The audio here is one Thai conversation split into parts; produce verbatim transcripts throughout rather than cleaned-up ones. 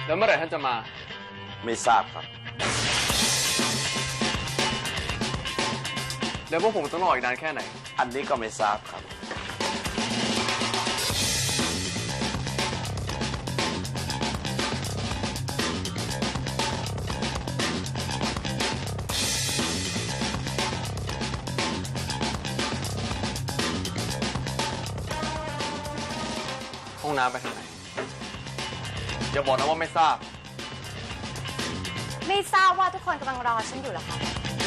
แล้วเมื่อไหร่ท่านจะมาไม่ทราบครับแล้วพวกผมต้องรออีกนานแค่ไหนอันนี้ก็ไม่ทราบครับห้องน้ำไปทางไหนอย่าบอกนะว่าไม่ทราบไม่ทราบว่าทุกคนกำลังรอฉันอยู่เหรอคะ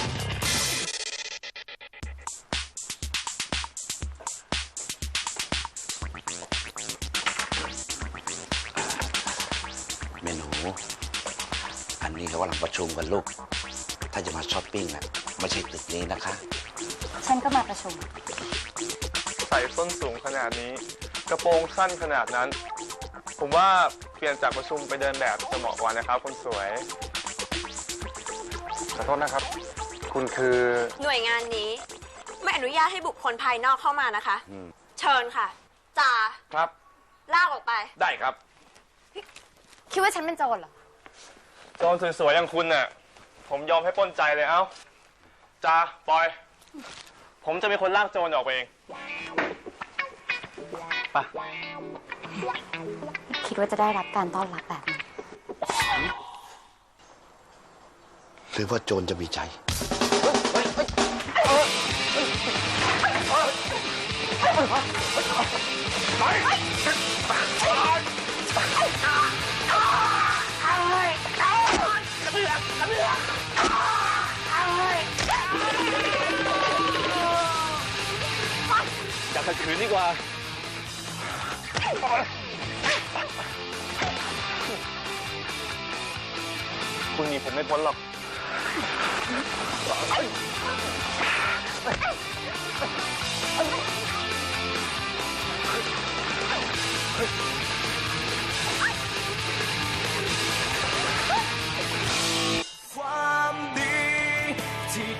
เมนูอันนี้เขากำลังประชุมกันลูกถ้าจะมาช้อปปิ้งนะไม่ใช่ตึกนี้นะคะฉันก็มาประชุมใส่ส้นสูงขนาดนี้กระโปรงสั้นขนาดนั้นผมว่าเปลี่ยนจากประชุมไปเดินแบบจะเหมาะกว่านะครับคนสวยขอโทษนะครับคุณคือหน่วยงานนี้ไม่อนุญาตให้บุคคลภายนอกเข้ามานะคะเชิญค่ะจ่าครับลากออกไปได้ครับคิดว่าฉันเป็นโจรเหรอโจรสวยๆอย่างคุณน่ะผมยอมให้ปล้นใจเลยเอ้าจ่าปล่อยผมจะเป็นคนลากโจรออกไปเองไปคิดว่าจะได้รับการต้อนรับแบบนี้หรือว่าโจรจะมีใจอย่าขัดขืนดีกว่าคุณหนีผมไม่พ้นหรอก